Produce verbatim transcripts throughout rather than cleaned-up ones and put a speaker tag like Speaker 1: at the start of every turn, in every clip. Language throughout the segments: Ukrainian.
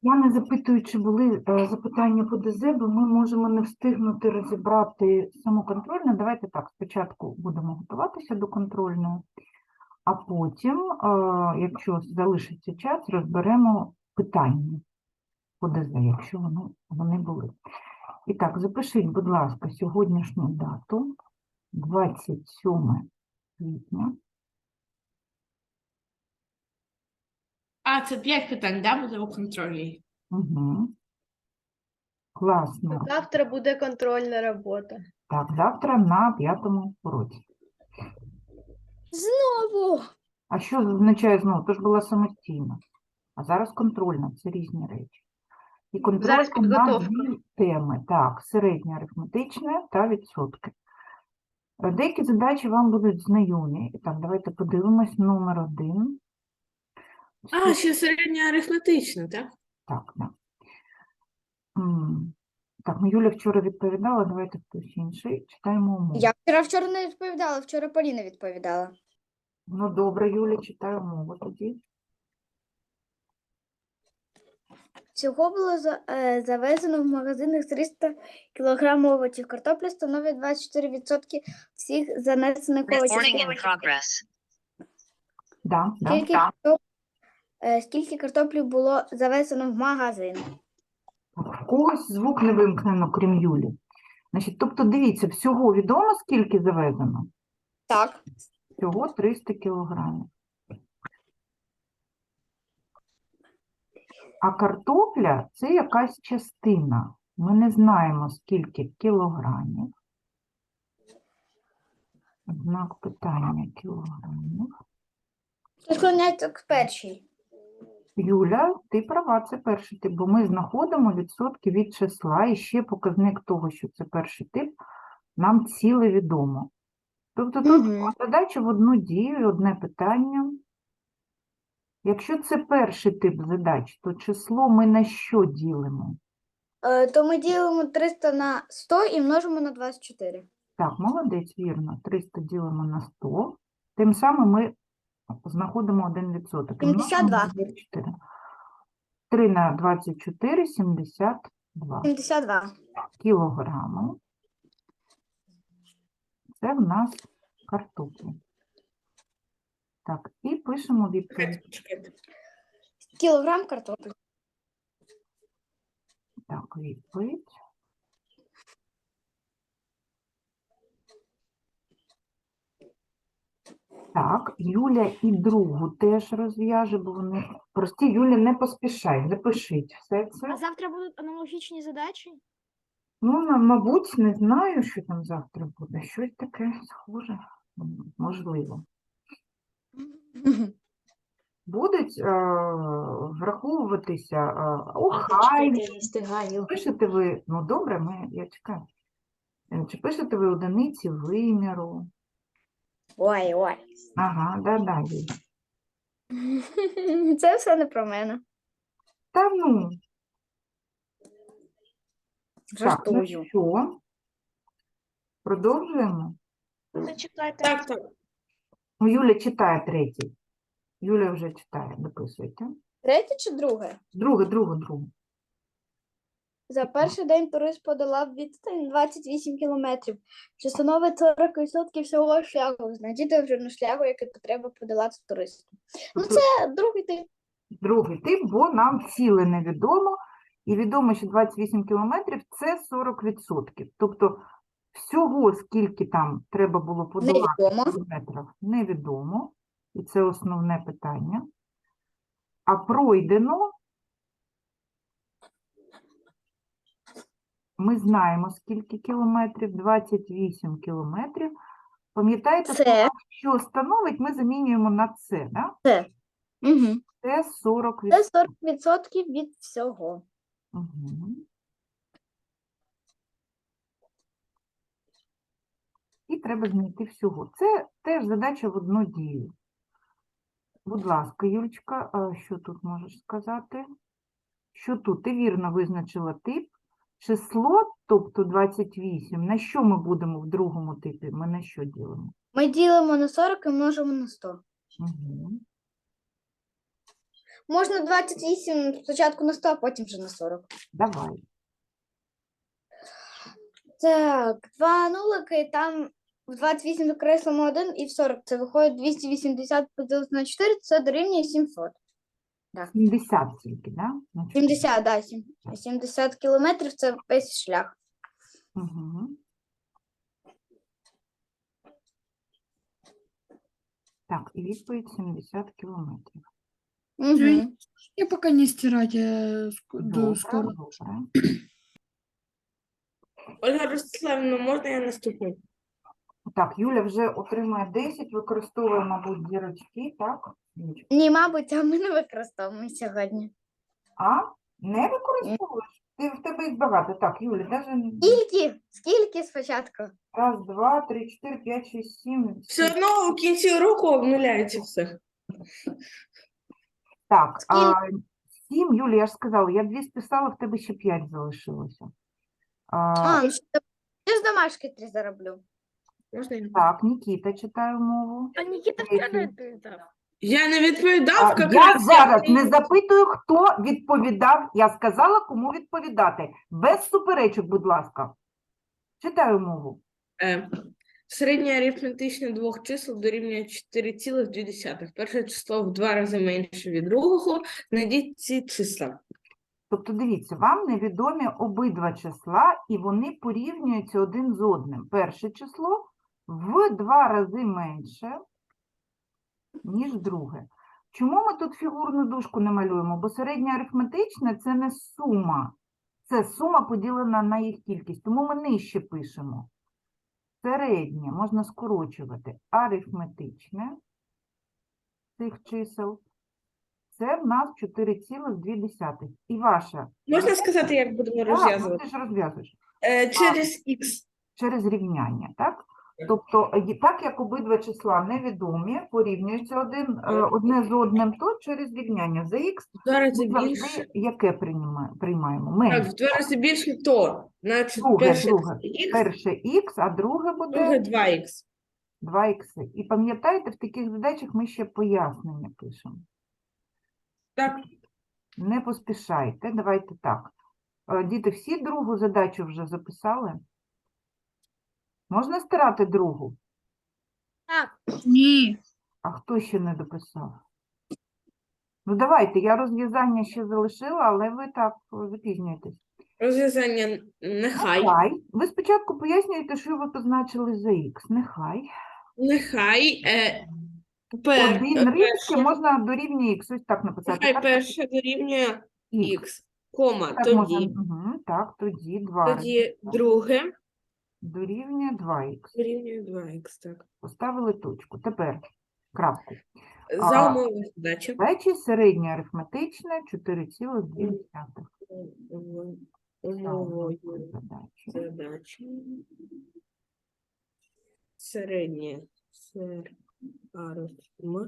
Speaker 1: Я не запитую, чи були е, запитання по ДЗ, бо ми можемо не встигнути розібрати саму контрольну. Давайте так, спочатку будемо готуватися до контрольної, а потім, е, якщо залишиться час, розберемо питання по ДЗ, якщо вони, вони були. І так, запишіть, будь ласка, сьогоднішню дату, двадцять сьоме квітня.
Speaker 2: А, це п'ять питань, да, буде у контролі?
Speaker 1: Угу. Класно.
Speaker 3: Завтра буде контрольна робота.
Speaker 1: Так, завтра на п'ятому уроці.
Speaker 3: Знову.
Speaker 1: А що означає знову? Тож була самостійна. А зараз контрольна, це різні речі. І
Speaker 3: Зараз
Speaker 1: контрольна на
Speaker 3: підготовка.
Speaker 1: дві теми. Так, середнє арифметичне та відсотки. Деякі задачі вам будуть знайомі. І так, давайте подивимось. Номер один.
Speaker 2: А, ще середня арифметична, так?
Speaker 1: Так, да. М, Так, ну Юля вчора відповідала, давайте хтось інший. Читаємо умову.
Speaker 4: Я вчора вчора не відповідала, вчора Поліна відповідала.
Speaker 1: Ну, добре, Юля, читаю умову тоді.
Speaker 4: Всього було за- е, завезено в магазинах триста кілограмів овочів. Картопля становить двадцять чотири відсотки всіх занесених овочів.
Speaker 5: Recording in progress.
Speaker 1: Да, да.
Speaker 4: Скільки, картоп... е, скільки картоплі було завезено в магазин?
Speaker 1: В когось звук не вимкнено, крім Юлі. Значить, тобто, дивіться, всього відомо, скільки завезено?
Speaker 4: Так.
Speaker 1: Всього триста кілограмів. А картопля – це якась частина. Ми не знаємо, скільки кілограмів. Знак питання кілограмів.
Speaker 4: Склоняється к першій.
Speaker 1: Юля, ти права, це перший тип, бо ми знаходимо відсотки від числа, і ще показник того, що це перший тип, нам ціле відомо. Тобто тут
Speaker 4: Мгм.
Speaker 1: задача в одну дію і одне питання. Якщо це перший тип задач, то число ми на що ділимо?
Speaker 4: Е, то ми ділимо триста на сто і множимо на двадцять чотири.
Speaker 1: Так, молодець, вірно. триста ділимо на сто. Тим самим ми знаходимо один відсоток. і множимо
Speaker 4: сімдесят два.
Speaker 1: на двадцять чотири. три на двадцять чотири – сімдесят два
Speaker 4: сімдесят два.
Speaker 1: кілограми. Це в нас картоплі. Так, і пишемо відповідь.
Speaker 2: Чекайте, чекайте.
Speaker 4: Кілограм картоплі.
Speaker 1: Так, відповідь. Так, Юля і другу теж розв'яже, бо вони прості. Юля, не поспішай, запишіть все це.
Speaker 6: А завтра будуть аналогічні задачі?
Speaker 1: Ну, на- мабуть, не знаю, що там завтра буде. Щось таке схоже, м, можливо. Будуть е, враховуватися е, охайні.
Speaker 6: не встигаю.
Speaker 1: Пишете ви, ну добре, ми, я чекаю. Е, Чи пишете ви одиниці виміру?
Speaker 4: Ой, ой.
Speaker 1: Ага, да-да, Юля.
Speaker 4: Це все не про мене.
Speaker 1: Та ну, так, ну
Speaker 4: Жартую.
Speaker 1: що? Продовжуємо?
Speaker 6: Зачекайте.
Speaker 2: Так, так.
Speaker 1: Ну, Юля читає третій. Юля вже читає, дописуйте.
Speaker 4: Третє чи друге?
Speaker 1: Друге, друге, друге.
Speaker 4: За перший день турист подолав відстань двадцять вісім кілометрів, що становить сорок відсотків всього шляху. Знайдіть довжину шляху, який треба подолати туристу. Ну,
Speaker 1: Тобто
Speaker 4: це другий тип.
Speaker 1: другий тип, бо нам ціле невідомо. І відомо, що двадцять вісім кілометрів – це сорок відсотків. Тобто всього, скільки там треба було подолати
Speaker 4: Невідомо.
Speaker 1: в кілометрах, невідомо. І це основне питання. А пройдено ми знаємо, скільки кілометрів, двадцять вісім кілометрів. Пам'ятаєте,
Speaker 4: Це.
Speaker 1: що становить, ми замінюємо на це, да?
Speaker 4: Це. Угу.
Speaker 1: Це сорок
Speaker 4: Це
Speaker 1: відсотків.
Speaker 4: сорок відсотків від всього.
Speaker 1: Угу. І треба знайти всього. Це теж задача в одну дію. Будь ласка, Юлечка, а що тут можеш сказати? Що тут? Ти вірно визначила тип. Число, тобто двадцять вісім, на що ми будемо в другому типі? Ми на що ділимо?
Speaker 4: Ми ділимо на сорок і множимо на сто.
Speaker 1: Угу.
Speaker 4: Можна двадцять вісім спочатку на сто, а потім вже на сорок.
Speaker 1: Давай.
Speaker 4: Так, два нулики, і там в двадцять вісім докреслимо один, і в сорок це виходить двісті вісімдесят поділити на чотири, це дорівнює сімсот.
Speaker 1: сімдесят тільки, да? На чотири.
Speaker 4: сімдесят, да, сім- сімдесят кілометрів це весь шлях.
Speaker 1: Угу. Так, і відповідь сімдесят кілометрів.
Speaker 4: Угу.
Speaker 5: Я пока не стирать, я ск- до
Speaker 1: Добре,
Speaker 5: скоро.
Speaker 1: добре.
Speaker 2: Ольга Ростиславівна, можна я наступну?
Speaker 1: Так, Юля вже отримує десять, використовує, мабуть, зірочки, так? Юлечка?
Speaker 4: Ні, мабуть, а ми не використовуємо сьогодні.
Speaker 1: А? Не використовуєш? Ти, в тебе їх багато. Так, Юля, навіть
Speaker 4: Скільки? Скільки спочатку?
Speaker 1: раз, два, три, чотири, п'ять, шість, сім.
Speaker 2: Все одно у кінці року обнуляється все.
Speaker 1: Так, а, сім, Юля, я ж сказала, я дві списала, в тебе ще п'ять залишилося. А,
Speaker 4: А, ну, що я з домашки три зароблю.
Speaker 2: Можна я?
Speaker 1: так, Нікіта читає мову.
Speaker 6: А Никита
Speaker 1: Третій.
Speaker 6: вчера это...
Speaker 2: Я не відповідав,
Speaker 1: А,
Speaker 2: як
Speaker 1: я
Speaker 2: раз
Speaker 1: зараз
Speaker 2: я-
Speaker 1: не запитую, хто відповідав. Я сказала, кому відповідати. Без суперечок, будь ласка. Читаю мову.
Speaker 2: Е, Середнє арифметичне двох чисел дорівнює чотири цілих дві десятих. Перше число в два рази менше від другого. Знайдіть ці числа.
Speaker 1: Тобто, дивіться, вам невідомі обидва числа, і вони порівнюються один з одним. Перше число в два рази менше, ніж друге. Чому ми тут фігурну дужку не малюємо? Бо середнє арифметичне – це не сума. Це сума поділена на їх кількість. Тому ми нижче пишемо. Середнє можна скорочувати. Арифметичне цих чисел. Це в нас чотири цілих дві десятих. І ваша.
Speaker 2: Можна сказати, як будемо
Speaker 1: Так, ну,
Speaker 2: розв'язувати?
Speaker 1: ти ж розв'язуєш.
Speaker 2: Е, Через х.
Speaker 1: Через рівняння, так? Тобто, е, так як обидва числа невідомі, порівнюються один, е, одне з одним, то через рівняння за х
Speaker 2: В два рази
Speaker 1: ми
Speaker 2: більше.
Speaker 1: завжди яке приймаємо? приймаємо?
Speaker 2: Так,
Speaker 1: Менше.
Speaker 2: в два рази більше, то. Значить,
Speaker 1: Друге,
Speaker 2: перше
Speaker 1: друге.
Speaker 2: х,
Speaker 1: Перше х, а друге
Speaker 2: друге
Speaker 1: буде
Speaker 2: два х.
Speaker 1: два х. І пам'ятаєте, в таких задачах ми ще пояснення пишемо.
Speaker 2: Так,
Speaker 1: Не поспішайте, давайте так. Е, Діти, всі другу задачу вже записали? Можна стирати другу?
Speaker 6: Так,
Speaker 5: Ні.
Speaker 1: А хто ще не дописав? Ну, давайте, я розв'язання ще залишила, але ви так о, запізнюєтесь.
Speaker 2: розв'язання нехай.
Speaker 1: Нехай. Ви спочатку пояснюєте, що ви позначили за х. Нехай.
Speaker 2: Нехай. Е, пер,
Speaker 1: Один
Speaker 2: е,
Speaker 1: римське
Speaker 2: перше,
Speaker 1: можна дорівнює х. Ось так написати.
Speaker 2: нехай
Speaker 1: Так,
Speaker 2: перше дорівнює
Speaker 1: х.
Speaker 2: х, кома,
Speaker 1: Так, можна,
Speaker 2: тоді.
Speaker 1: угу, так, тоді два
Speaker 2: Тоді друге
Speaker 1: дорівнює два х.
Speaker 2: дорівнює два х, так.
Speaker 1: Поставили точку. Тепер крапку.
Speaker 2: За
Speaker 1: А,
Speaker 2: умови задачі.
Speaker 1: Задачі середнє арифметичне чотири цілих дві десятих.
Speaker 2: Умовою
Speaker 1: Задачі.
Speaker 2: задачі. Середнє сер арифм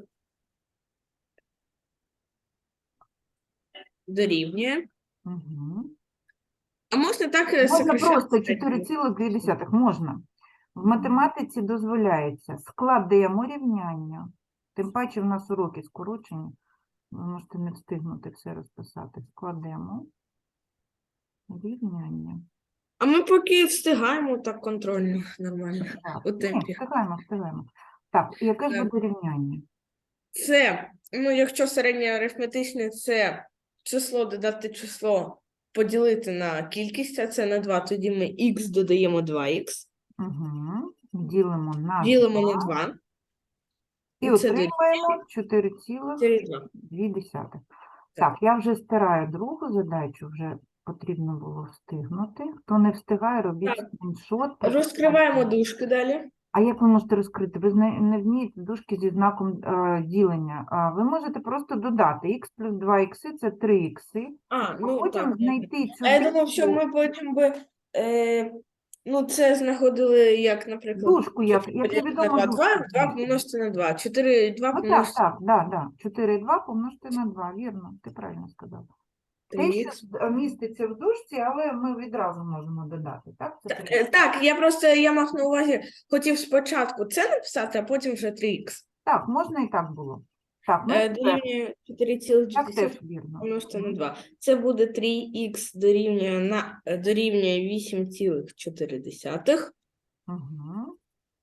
Speaker 2: дорівнює.
Speaker 1: Угу.
Speaker 2: А можна так е,
Speaker 1: Можна
Speaker 2: сокращати
Speaker 1: просто
Speaker 2: середнє?
Speaker 1: чотири цілих дві десятих. Можна. В математиці дозволяється. Складемо рівняння. Тим паче в нас уроки скорочені. Ви можете не встигнути все розписати. Складемо рівняння.
Speaker 2: А ми поки встигаємо так контрольно, нормально,
Speaker 1: Так,
Speaker 2: у
Speaker 1: ні,
Speaker 2: темпі.
Speaker 1: встигаємо, встигаємо. Так, і яке ж
Speaker 2: Так.
Speaker 1: буде рівняння?
Speaker 2: Це, ну, якщо середнє арифметичне, це число додати число, поділити на кількість, а це на два, тоді ми х додаємо два х,
Speaker 1: Угу. Ділимо на
Speaker 2: ділимо
Speaker 1: два.
Speaker 2: на два,
Speaker 1: І
Speaker 2: і це
Speaker 1: отримаємо чотири цілих
Speaker 2: дорівнює два.
Speaker 1: дві десятих. Так, я вже стираю другу задачу, вже потрібно було встигнути. Хто не встигає, робіть
Speaker 2: Так.
Speaker 1: скріншот.
Speaker 2: Розкриваємо дужки далі.
Speaker 1: А як ви можете розкрити? Ви не, не вмієте дужки зі знаком е, ділення. А ви можете просто додати х плюс два х – це три х.
Speaker 2: А, ну
Speaker 1: Потім
Speaker 2: так.
Speaker 1: знайти цю
Speaker 2: А я думав, що
Speaker 1: дужку.
Speaker 2: ми потім би, е, ну, це знаходили, як, наприклад,
Speaker 1: Дужку, як, як
Speaker 2: поділити на
Speaker 1: невідомо
Speaker 2: два, два,
Speaker 1: дужку.
Speaker 2: два помножити на два, чотири, два
Speaker 1: Ну так,
Speaker 2: помножити
Speaker 1: так, да, да. чотири і два помножити на два, вірно, ти правильно сказав.
Speaker 2: на
Speaker 1: Те,
Speaker 2: три
Speaker 1: що
Speaker 2: х.
Speaker 1: з- міститься в дужці, але ми відразу можемо додати, так? Це
Speaker 2: Та-
Speaker 1: три.
Speaker 2: е, Так, я просто, я мав на увазі, хотів спочатку це написати, а потім вже три х.
Speaker 1: Так, можна і так було. Так, ну,
Speaker 2: Е,
Speaker 1: це
Speaker 2: Дорівнює чотири цілих
Speaker 1: так
Speaker 2: чотири
Speaker 1: теж вірно.
Speaker 2: помножити на два. Це буде три х дорівнює, на, е, дорівнює вісім цілих чотири десятих.
Speaker 1: Угу.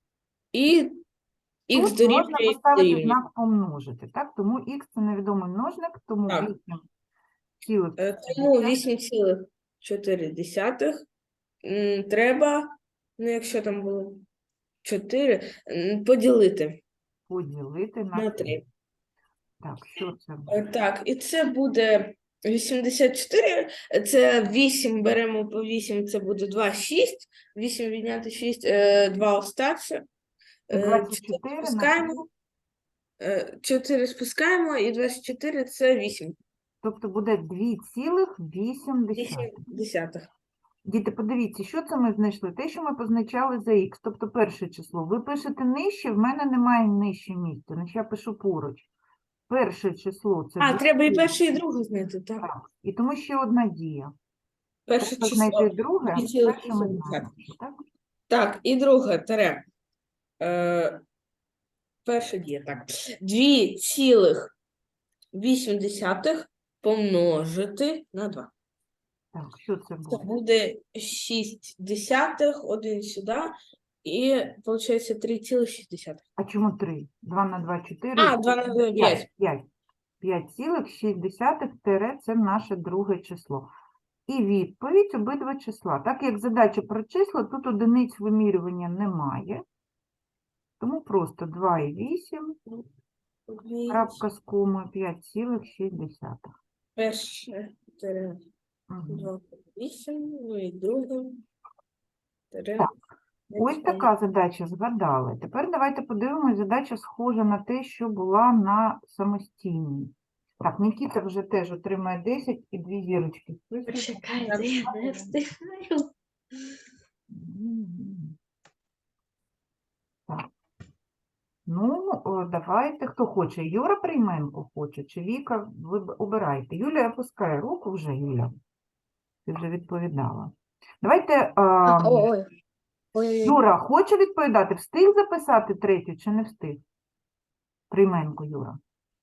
Speaker 2: І х
Speaker 1: Тут можна
Speaker 2: дорівнює,
Speaker 1: поставити
Speaker 2: дорівнює.
Speaker 1: знак помножити, так? Тому х це невідомий множник, тому
Speaker 2: Так.
Speaker 1: вісім цілих
Speaker 2: Е, Тому вісім цілих чотири десятих м, треба, ну якщо там було чотири, м, поділити
Speaker 1: поділити на
Speaker 2: на
Speaker 1: три.
Speaker 2: три.
Speaker 1: Так, що це
Speaker 2: Е,
Speaker 1: буде?
Speaker 2: Так, і це буде вісімдесят чотири, це вісім, беремо по вісім, це буде два, шість, вісім відняти шість, е, два остаться,
Speaker 1: Це
Speaker 2: е,
Speaker 1: двадцять
Speaker 2: чотири
Speaker 1: чотири на
Speaker 2: спускаємо, е, чотири спускаємо, і двадцять чотири це вісім.
Speaker 1: Тобто буде дві цілих вісім
Speaker 2: вісім
Speaker 1: десятих.
Speaker 2: десятих.
Speaker 1: Діти, подивіться, що це ми знайшли? Те, що ми позначали за х, тобто перше число. Ви пишете нижче, в мене немає нижче місця, значить я пишу поруч. Перше число – це
Speaker 2: А,
Speaker 1: дві
Speaker 2: треба і
Speaker 1: цілих.
Speaker 2: перше, і друге знайти, так.
Speaker 1: Так, і тому ще одна дія.
Speaker 2: Перше
Speaker 1: Треба
Speaker 2: число.
Speaker 1: знайти друге,
Speaker 2: дві цілих
Speaker 1: перше ми
Speaker 2: вісім
Speaker 1: знаємо, що, так?
Speaker 2: Так, і друге тере. Е, перша дія, так. дві цілих вісім десятих помножити на два.
Speaker 1: Так, що це
Speaker 2: Це
Speaker 1: буде?
Speaker 2: буде шість десятих, один сюди, і виходить три цілих шість десятих.
Speaker 1: А чому три? два на два – чотири.
Speaker 2: А, два на два – п'ять.
Speaker 1: п'ять. п'ять цілих шість десятих тире – це наше друге число. І відповідь обидва числа. Так як задача про числа, тут одиниць вимірювання немає. Тому просто два і вісім, крапка з комою, п'ять цілих шість десятих.
Speaker 2: Перше тере
Speaker 1: Мгм.
Speaker 2: два вісім, ну і друге тере.
Speaker 1: Так, Ось
Speaker 2: п'ять,
Speaker 1: така задача, згадали. Тепер давайте подивимось, задача схожа на те, що була на самостійній. Так, Нікіта вже теж отримає десять і дві зірочки.
Speaker 3: Почекайте, я не встигаю.
Speaker 1: Мгм. Так. Ну, о, давайте, хто хоче. Юра Прийменко хоче, чи Віка, ви б- обирайте. Юлія опускає руку вже, Юля. Ти вже відповідала. Давайте, а,
Speaker 4: Ой, ой,
Speaker 1: Юра, хоче відповідати? Встиг записати третю чи не встиг? Прийменко, Юра.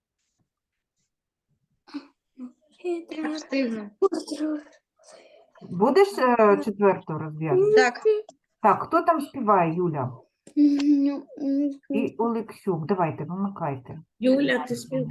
Speaker 3: Встигну.
Speaker 1: Будеш е, четверту розв'язувати?
Speaker 3: Так.
Speaker 1: Так, хто там співає, Юля? І Олексюк. Давайте, вимикайте.
Speaker 2: Юля, ти спів.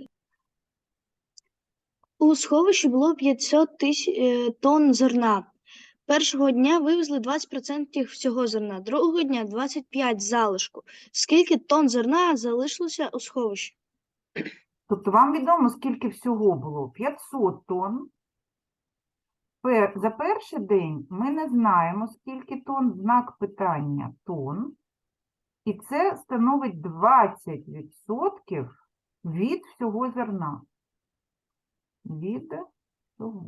Speaker 7: У сховищі було п'ятсот тисяч тонн зерна. Першого дня вивезли двадцять відсотків всього зерна, другого дня двадцять п'ять відсотків залишку. Скільки тонн зерна залишилося у сховищі?
Speaker 1: Тобто вам відомо, скільки всього було? п'ятсот тонн. Пер- За перший день ми не знаємо, скільки тонн, знак питання тонн. І це становить двадцять відсотків від всього зерна. Від всього.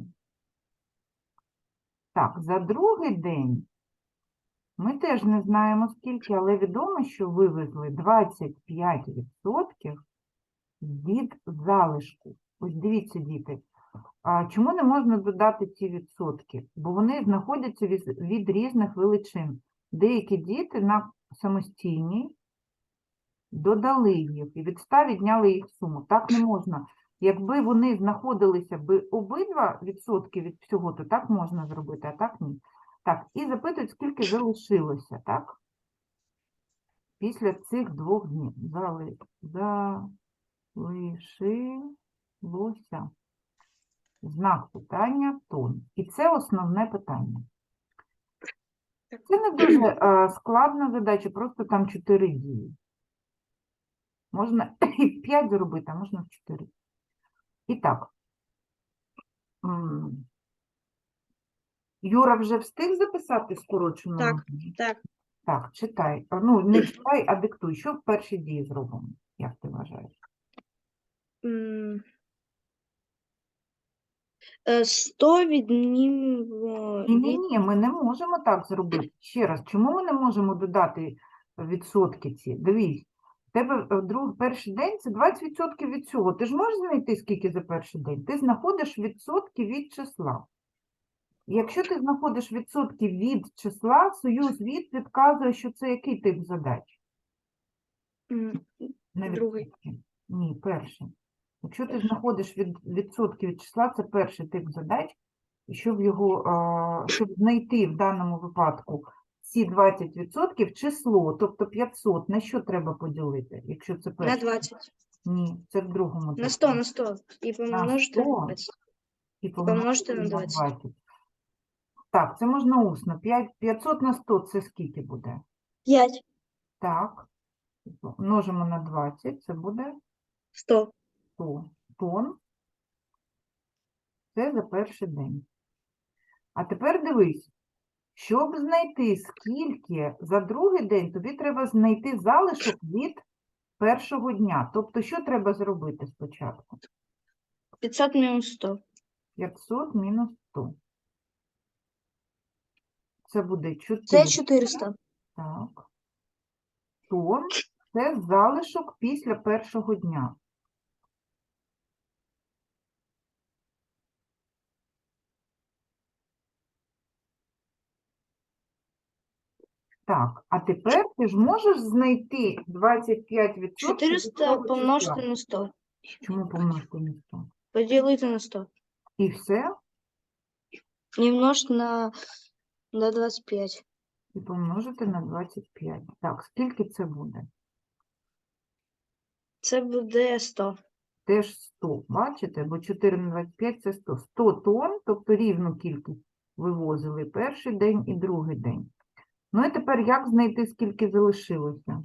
Speaker 1: Так, за другий день ми теж не знаємо, скільки, але відомо, що вивезли двадцять п'ять відсотків від залишку. Ось дивіться, діти, а чому не можна додати ці відсотки? Бо вони знаходяться від, від різних величин. Деякі діти на самостійній додали їх і від ста відняли їх суму. Так не можна. Якби вони знаходилися би обидва відсотки від всього, то так можна зробити, а так ні. Так, і запитують, скільки залишилося, так? Після цих двох днів. Зали... Залишилося. Знак питання тонн. І це основне питання. Це не дуже е, складна задача, просто там чотири дії. Можна і в п'ять зробити, а можна в чотири. І так. М. Юра вже встиг записати скорочену?
Speaker 3: Так,
Speaker 1: множину?
Speaker 3: так.
Speaker 1: Так, читай. А, Ну, не читай, а диктуй. Що в першій дії зробимо? Як ти вважаєш?
Speaker 7: М, е, сто віднімемо
Speaker 1: Ні, ні,
Speaker 7: від...
Speaker 1: ні, ми не можемо так зробити. Ще раз, чому ми не можемо додати відсотки ці? Дивись, в тебе е, друг, перший день – це двадцять відсотків від цього. Ти ж можеш знайти, скільки за перший день? Ти знаходиш відсотки від числа. І якщо ти знаходиш відсотки від числа, союз від підказує, що це який тип задач?
Speaker 7: м,
Speaker 1: Не
Speaker 7: Другий.
Speaker 1: відсотки. Ні, перший. Якщо ти знаходиш від, відсотки від числа, це перший тип задач, і щоб його, а, щоб знайти в даному випадку ці двадцять відсотків число, тобто п'ятсот, на що треба поділити, якщо це
Speaker 7: На
Speaker 1: перший?
Speaker 7: двадцять.
Speaker 1: Ні, це в другому
Speaker 7: На
Speaker 1: типі.
Speaker 7: сто, на сто. І помножити
Speaker 1: сто.
Speaker 7: на двадцять.
Speaker 1: І
Speaker 7: помножити на
Speaker 1: двадцять. Так, це можна усно. п'ять, п'ятсот на сто це скільки буде?
Speaker 7: п'ять.
Speaker 1: Так. Множимо на двадцять, це буде
Speaker 7: сто.
Speaker 1: сто тонн. Це за перший день. А тепер дивись, щоб знайти скільки за другий день, тобі треба знайти залишок від першого дня. Тобто, що треба зробити спочатку?
Speaker 7: п'ятсот мінус сто.
Speaker 1: п'ятсот мінус сто. Це буде
Speaker 7: Це
Speaker 1: чотири.
Speaker 7: чотириста.
Speaker 1: Так. Тонн – це залишок після першого дня. Так, а тепер ти ж можеш знайти двадцять п'ять відсотків від
Speaker 7: чотириста
Speaker 1: цього
Speaker 7: помножити
Speaker 1: числа?
Speaker 7: на сто.
Speaker 1: Чому помножити на сто?
Speaker 7: Поділити на сто.
Speaker 1: І все?
Speaker 7: І множити на, на двадцять п'ять.
Speaker 1: І помножити на двадцять п'ять. Так, скільки це буде?
Speaker 7: Це буде сто.
Speaker 1: Теж сто, бачите? Бо чотири на двадцять п'ять – це сто. сто тонн, тобто рівну кількість вивозили перший день і другий день. Ну і тепер як знайти, скільки залишилося?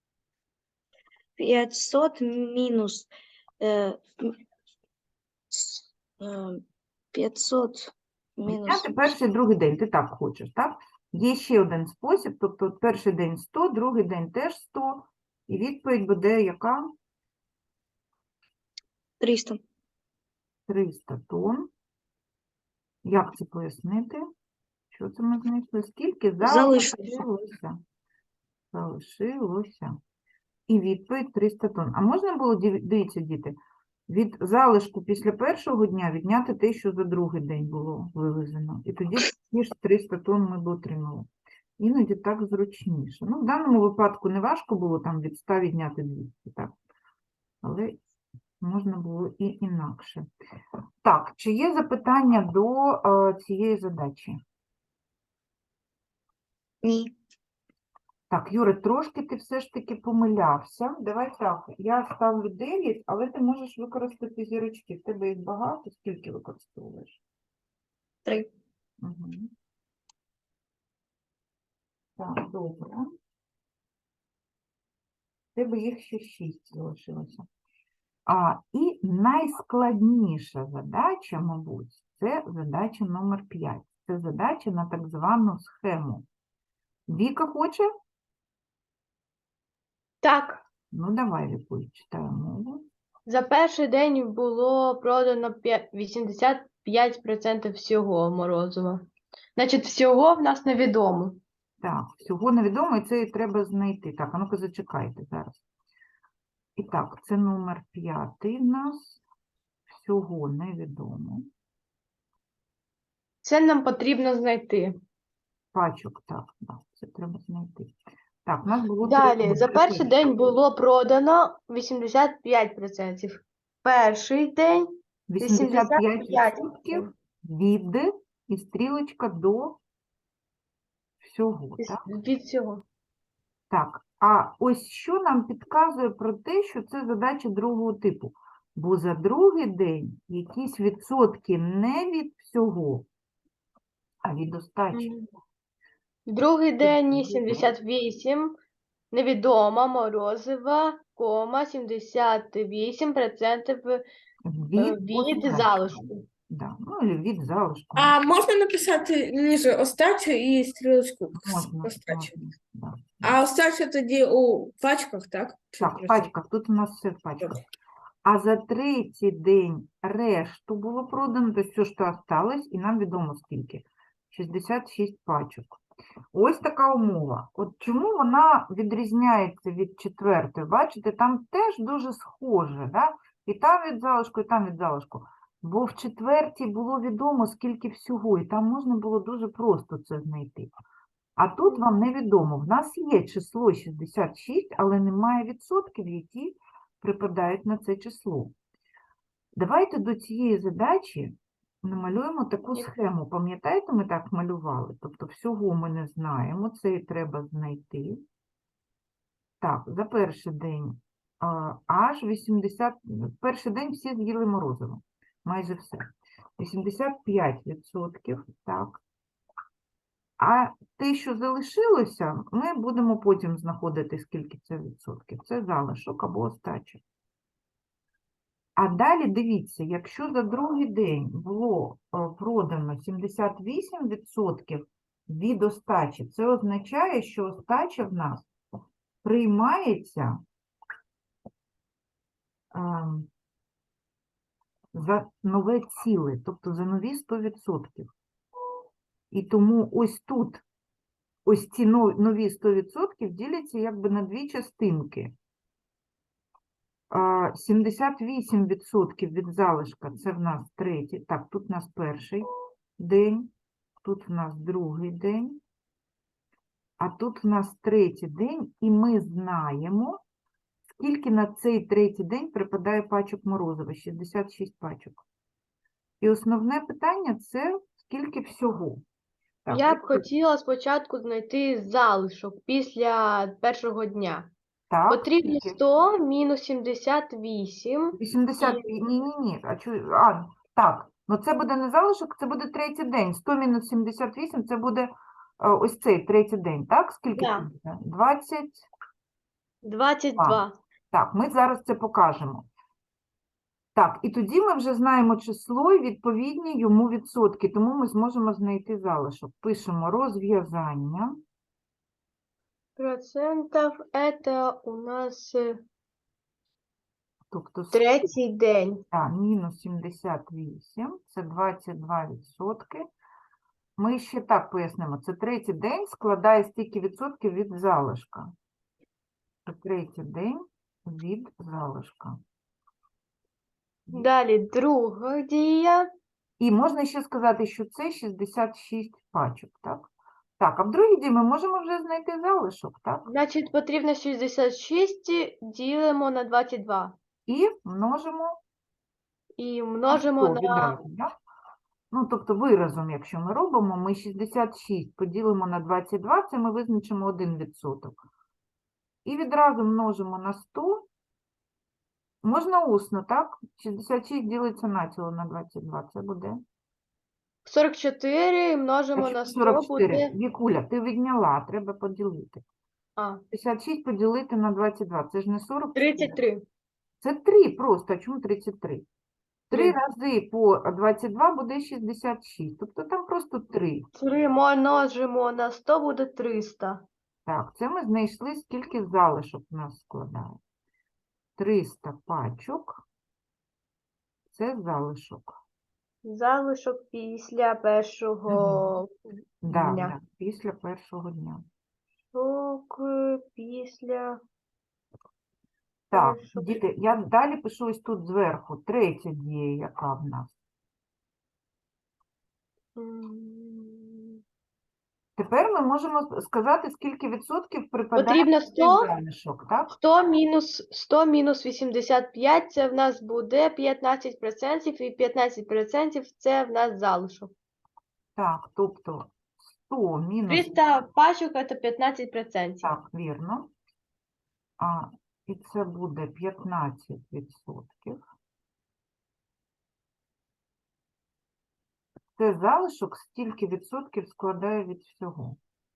Speaker 7: п'ятсот мінус е, м, с- е, п'ятсот мінус
Speaker 1: Відняти перший і другий день, ти так хочеш, так? Є ще один спосіб, тобто от перший день сто, другий день теж сто, і відповідь буде яка?
Speaker 7: триста.
Speaker 1: триста тонн. Як це пояснити? Що це ми знайшли? Скільки
Speaker 7: Залишилося.
Speaker 1: залишилося? Залишилося. І відповідь триста тонн. А можна було, диві- дивіться, діти, від залишку після першого дня відняти те, що за другий день було вивезено. І тоді ті ж триста тонн ми б отримали. Іноді так зручніше. Ну, в даному випадку не важко було там від ста відняти двісті, так? Але можна було і інакше. Так, чи є запитання до е, цієї задачі?
Speaker 7: Ні.
Speaker 1: Так, Юра, трошки ти все ж таки помилявся. Давай так, я ставлю дев'ять, але ти можеш використати зірочки. В тебе їх багато, скільки використовуєш?
Speaker 7: Три.
Speaker 1: Угу. Так, добре. В тебе їх ще шість залишилося. А, і найскладніша задача, мабуть, це задача номер п'ять. Це задача на так звану схему. Віка хоче?
Speaker 8: Так,
Speaker 1: Ну, давай, Вікуль, читаю мову.
Speaker 8: за перший день було продано п'я- вісімдесят п'ять відсотків всього морозива. Значить, всього в нас невідомо.
Speaker 1: Так, всього невідомо, і це і треба знайти. Так, а ну-ка зачекайте зараз. І так, це номер п'ятий в нас. Всього невідомо.
Speaker 8: Це нам потрібно знайти.
Speaker 1: Пачок, так, так, це треба знайти. Так, у нас було три
Speaker 8: Далі,
Speaker 1: номери.
Speaker 8: за перший день було продано вісімдесят п'ять відсотків. Перший день
Speaker 1: вісімдесят п'ять
Speaker 8: вісімдесят п'ять
Speaker 1: відсотків від і стрілочка до всього, так?
Speaker 8: від всього.
Speaker 1: Так, а ось що нам підказує про те, що це задача другого типу. Бо за другий день якісь відсотки не від всього, а від остачі.
Speaker 8: Мгм. Другий день сімдесят вісім, невідомо, морозива, кома, сімдесят вісім відсотків
Speaker 1: Від,
Speaker 8: від
Speaker 1: остачі.
Speaker 8: залишку.
Speaker 1: Да. Ну, і від залишку.
Speaker 2: А можна написати ніж остачу і стрілочку
Speaker 1: Можна,
Speaker 2: остачу?
Speaker 1: можна, да.
Speaker 2: А остача тоді у пачках, так? Чи
Speaker 1: Так, в
Speaker 2: просто?
Speaker 1: пачках, тут у нас все в пачках. А за третій день решту було продано, то все, що осталось, і нам відомо скільки. шістдесят шість пачок. Ось така умова. От чому вона відрізняється від четвертої? Бачите, там теж дуже схоже, да? І там від залишку, і там від залишку. Бо в четвертій було відомо, скільки всього, і там можна було дуже просто це знайти. А тут вам невідомо. В нас є число шістдесят шість, але немає відсотків, які припадають на це число. Давайте до цієї задачі намалюємо таку
Speaker 8: Ні.
Speaker 1: схему. Пам'ятаєте, ми так малювали? Тобто всього ми не знаємо, це і треба знайти. Так, за перший день а, аж вісімдесят, перший день всі з'їли морозиво, майже все. вісімдесят п'ять відсотків, так. А те, що залишилося, ми будемо потім знаходити, скільки це відсотків. Це залишок або остача. А далі дивіться, якщо за другий день було е, продано сімдесят вісім відсотків від остачі, це означає, що остача в нас приймається ем, за нове ціле, тобто за нові сто відсотків. І тому ось тут, ось ці но- нові сто відсотків діляться якби на дві частинки. А, сімдесят вісім відсотків від залишка – це в нас третій. Так, тут в нас перший день, тут в нас другий день, а тут в нас третій день, і ми знаємо, скільки на цей третій день припадає пачок морозива – шістдесят шість пачок. І основне питання – це скільки всього. Так,
Speaker 8: Я б
Speaker 1: ось-
Speaker 8: хотіла спочатку знайти залишок після першого дня.
Speaker 1: так,
Speaker 8: Потрібно
Speaker 1: скільки?
Speaker 8: сто мінус сімдесят вісім.
Speaker 1: вісімдесят, ні, ні, ні, а чу, а, так, ну це буде не залишок, це буде третій день, сто мінус сімдесят вісім, це буде е, ось цей третій день, так? Скільки
Speaker 8: Да.
Speaker 1: це буде? двадцять,
Speaker 8: двадцять два.
Speaker 1: так, ми зараз це покажемо. Так, і тоді ми вже знаємо число і відповідні йому відсотки, тому ми зможемо знайти залишок. Пишемо розв'язання,
Speaker 8: Процентов это у нас е,
Speaker 1: тобто
Speaker 8: третій день.
Speaker 1: Так, мінус сімдесят вісім, це двадцять два відсотки. Ми ще так пояснимо, це третій день складає стільки відсотків від залишка. Це третій день від залишка.
Speaker 8: Далі друга дія.
Speaker 1: І можна ще сказати, що це шістдесят шість пачок, так? Так, а в другій дії ми можемо вже знайти залишок, так?
Speaker 8: Значить, потрібно шістдесят шість ділимо на двадцять два.
Speaker 1: І множимо
Speaker 8: І
Speaker 1: на
Speaker 8: множимо
Speaker 1: сто
Speaker 8: на
Speaker 1: відразу, так? Ну, тобто виразом, якщо ми робимо, ми шістдесят шість поділимо на двадцять два, це ми визначимо один відсоток. І відразу множимо на сто. Можна усно, так? шістдесят шість ділиться націло на двадцять два, це буде.
Speaker 8: сорок чотири множимо
Speaker 1: А
Speaker 8: на
Speaker 1: що
Speaker 8: сто
Speaker 1: сорок чотири?
Speaker 8: буде.
Speaker 1: Вікуля, ти відняла, треба поділити.
Speaker 8: А,
Speaker 1: шістдесят шість поділити на двадцять два, це ж не сорок чотири.
Speaker 8: тридцять три.
Speaker 1: Це три просто, а чому тридцять три? три
Speaker 8: Три.
Speaker 1: рази по двадцять два буде шістдесят шість, тобто там просто три.
Speaker 8: три множимо на сто буде триста.
Speaker 1: Так, це ми знайшли, скільки залишок у нас складає. триста пачок – це залишок.
Speaker 8: Залишок після першого
Speaker 1: Да,
Speaker 8: дня.
Speaker 1: да, після першого дня.
Speaker 8: Залишок е, після
Speaker 1: Так,
Speaker 8: першого.
Speaker 1: діти, я далі пишу ось тут зверху. Третя дія, яка в нас.
Speaker 8: М,
Speaker 1: Тепер ми можемо сказати, скільки відсотків припадає
Speaker 8: Потрібно
Speaker 1: на цей
Speaker 8: сто.
Speaker 1: залишок, так?
Speaker 8: сто мінус сто мінус вісімдесят п'ять, це в нас буде п'ятнадцять відсотків, і п'ятнадцять відсотків це в нас залишок.
Speaker 1: Так, тобто сто мінус,
Speaker 8: триста пачок це п'ятнадцять відсотків.
Speaker 1: так, вірно. А, і це буде п'ятнадцять відсотків. Це залишок, стільки відсотків складає від всього.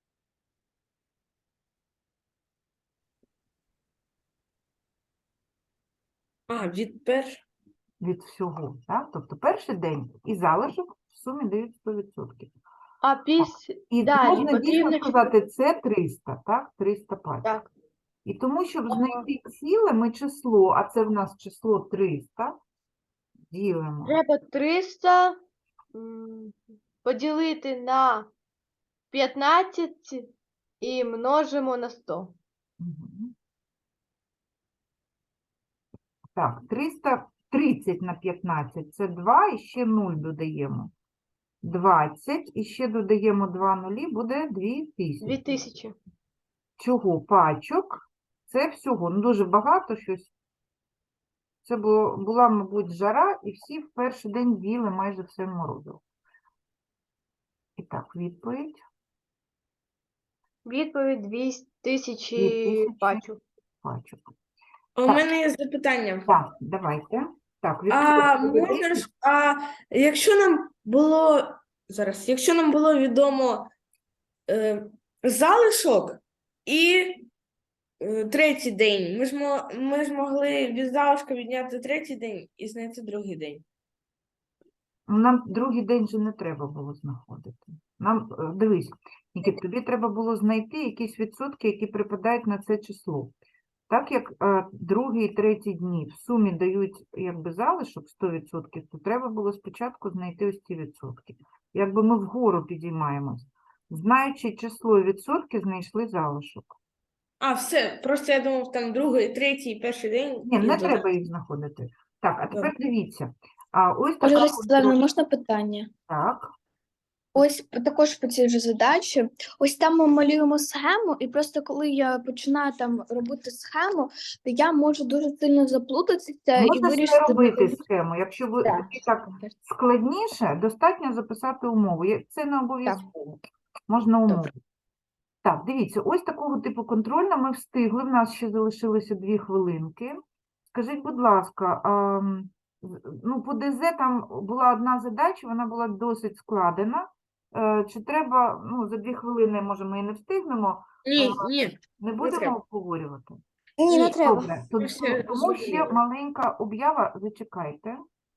Speaker 2: А, від перш...
Speaker 1: Від всього, так? Тобто перший день і залишок в сумі дають сто відсотків.
Speaker 8: А після
Speaker 1: І
Speaker 8: далі
Speaker 1: можна дійсно
Speaker 8: потрібно
Speaker 1: сказати, це триста, так? триста пачок.
Speaker 8: так.
Speaker 1: І тому, щоб знайти ціле, ми число, а це в нас число триста, ділимо.
Speaker 8: Треба триста м, поділити на п'ятнадцять і множимо на сто.
Speaker 1: Мгм. Так, триста тридцять на п'ятнадцять – це два, і ще нуль додаємо. двадцять, і ще додаємо два нулі, буде дві тисячі.
Speaker 8: Дві тисячі.
Speaker 1: Чого? Пачок. Це всього. Ну, дуже багато щось. Це було, була, мабуть, жара, і всі в перший день з'їли майже все морозиво. І так, відповідь.
Speaker 8: Відповідь дві
Speaker 1: Дві
Speaker 8: тисячі
Speaker 1: тисячі.
Speaker 8: пачок.
Speaker 1: Пачок.
Speaker 2: А У
Speaker 1: Так.
Speaker 2: мене є запитання.
Speaker 1: Так, давайте. Так,
Speaker 2: А
Speaker 1: відсотки
Speaker 2: можна
Speaker 1: десять.
Speaker 2: ж, а якщо нам було зараз, якщо нам було відомо е, залишок і е, третій день, ми ж, мо, ми ж могли від залишка відняти третій день і знайти другий день.
Speaker 1: Нам другий день же не треба було знаходити. Нам, е, дивись, Нікіт, тобі треба було знайти якісь відсотки, які припадають на це число. Так як е, другий і третій дні в сумі дають якби залишок сто відсотків, то треба було спочатку знайти ось ці відсотки. Якби ми вгору підіймаємось. Знаючи число і відсотки, знайшли залишок.
Speaker 2: А, все, просто я думав, там другий, третій, перший день.
Speaker 1: Ні,
Speaker 2: і
Speaker 1: не
Speaker 2: додати.
Speaker 1: треба їх знаходити. Так, а тепер
Speaker 2: Добре.
Speaker 1: дивіться. А ось
Speaker 9: Ольга
Speaker 1: така
Speaker 9: Ростиславівна,
Speaker 1: контроль-
Speaker 9: можна питання?
Speaker 1: Так.
Speaker 9: Ось п- також по цій же задачі. Ось там ми малюємо схему, і просто коли я починаю там робити схему, то я можу дуже сильно заплутатися і
Speaker 1: Можеш не
Speaker 9: вирішити.
Speaker 1: робити схему. Якщо ви
Speaker 9: Так.
Speaker 1: тобі так складніше, достатньо записати умову. Є- Це не обов'язково. Можна умову. Так, дивіться, ось такого типу контрольна ми встигли. В нас ще залишилося дві хвилинки. Скажіть, будь ласка, а, м, з- ну, по ДЗ там була одна задача, вона була досить складена. Е, Чи треба, ну, за дві хвилини, може, ми і не встигнемо,
Speaker 2: Ні, ні.
Speaker 1: не будемо
Speaker 2: треба.
Speaker 1: обговорювати?
Speaker 4: Ні, не
Speaker 2: Ні,
Speaker 4: треба.
Speaker 1: Добре, то-
Speaker 2: Ми ще
Speaker 1: тому ще
Speaker 2: зробили.
Speaker 1: маленька об'ява, зачекайте.